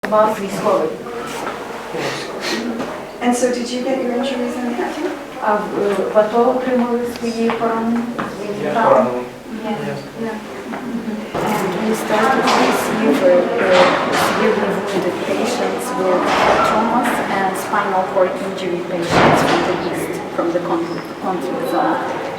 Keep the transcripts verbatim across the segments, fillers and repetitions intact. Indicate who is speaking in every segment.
Speaker 1: вас військовий.
Speaker 2: And so did you get your injuries in the accident?
Speaker 1: А в, в АТО отримали свої поранення?
Speaker 3: Я поранений.
Speaker 1: And we started to receive uh, uh, severely wounded patients with traumas and spinal cord injury patients from the east, from the conflict, conflict zone.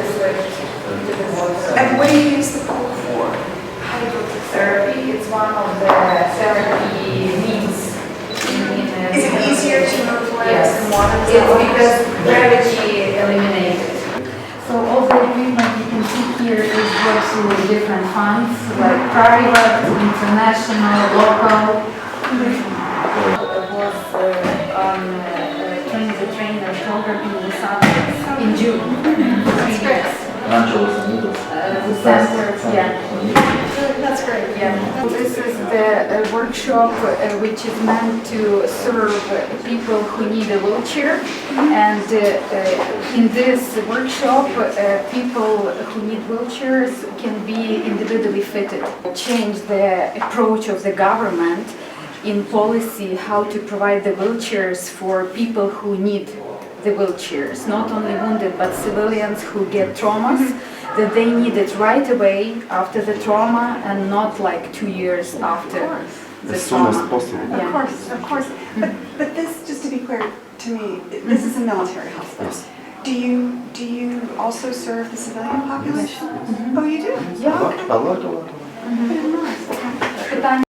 Speaker 2: And what do you use the pool for?
Speaker 1: Therapy, it's one of the therapy means.
Speaker 2: Is it easier to move legs
Speaker 1: Yes,
Speaker 2: than water?
Speaker 1: it's because gravity eliminated. So all the equipment you can see here is goes to different funds, like private, international, local. I was uh, on uh, train the trainer program in Lusaka in June. Three years.
Speaker 4: Angeles and needles.
Speaker 1: Uh, the center, yeah.
Speaker 2: That's great.
Speaker 1: Yeah. This is the uh, workshop uh, which is meant to serve uh, people who need a wheelchair. And uh, uh, in this workshop, uh, people who need wheelchairs can be individually fitted. Change the approach of the government in policy how to provide the wheelchairs for people who need the wheelchairs, not only wounded but civilians who get traumas, that they need it right away after the trauma and not like two years after the
Speaker 4: As soon as
Speaker 1: trauma.
Speaker 4: possible.
Speaker 1: Yeah.
Speaker 2: Of course, of course. But, but this, just to be clear to me, this is a military hospital.
Speaker 4: Yes.
Speaker 2: Do you, do you also serve the civilian population? Oh, you do?
Speaker 1: Yeah.
Speaker 4: A lot, a lot, a lot.
Speaker 2: I didn't realize. Okay.
Speaker 1: Питання